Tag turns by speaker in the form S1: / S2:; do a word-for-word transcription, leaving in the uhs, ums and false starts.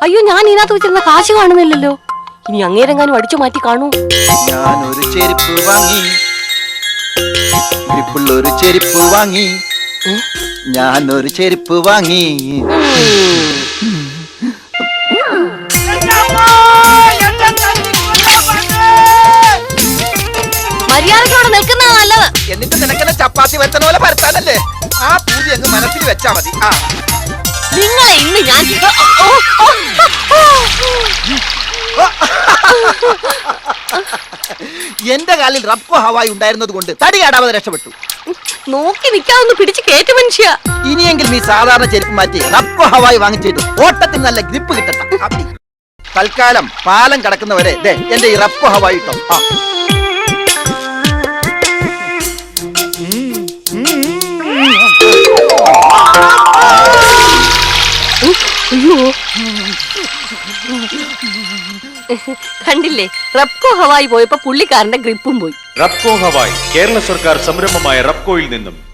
S1: അയ്യോ, ഞാൻ ഇതിനകത്ത് വെച്ചിരുന്ന കാശ് കാണുന്നില്ലല്ലോ. ഇനി അങ്ങേരെങ്ങാനും അടിച്ചു മാറ്റി കാണൂ.
S2: ഞാൻ ഒരു ചെരുപ്പ് വാങ്ങി, ഗ്രിപ്പുള്ളൊരു ചെരുപ്പ് വാങ്ങി, ഞാൻ ഒരു ചെരുപ്പ് വാങ്ങി.
S1: മര്യാദയോടെ നിൽക്കുന്ന നല്ലത്.
S2: എന്നിട്ട് നിനക്കെന്നെ ചപ്പാത്തി വരുത്തുന്ന പോലെ പരത്താനല്ലേ? ആ പൂതി അങ്ങ് മനസ്സിൽ വെച്ചാ മതി. ആ
S1: നിങ്ങളെ ഇന്ന് ഞാൻ
S2: എന്റെ കാലിൽ റബ്കോ ഹവായി ഉണ്ടായിരുന്നത് കൊണ്ട് തടി കാടാതെ രക്ഷപ്പെട്ടു.
S1: നോക്കി നിൽക്കാതൊന്ന് പിടിച്ച് കേറ്റു മനുഷ്യ.
S2: ഇനിയെങ്കിലും ഈ സാധാരണ ചെരുപ്പ് മാറ്റി റബ്കോ ഹവായി വാങ്ങിച്ചിട്ട് ഓട്ടത്തിന് നല്ല ഗ്രിപ്പ് കിട്ടട്ടെ. തൽക്കാലം പാലം കടക്കുന്നവരെ എന്റെ ഈ റബ്കോ ഹവായി ഇട്ടോ. ആ
S1: അയ്യോ, കണ്ടില്ലേ, റബ്കോ ഹവായി പോയപ്പോ പുള്ളിക്കാരന്റെ ഗ്രിപ്പും പോയി.
S3: റബ്കോ ഹവായി കേരള സർക്കാർ സംരംഭമായ റബ്കോയിൽ നിന്നും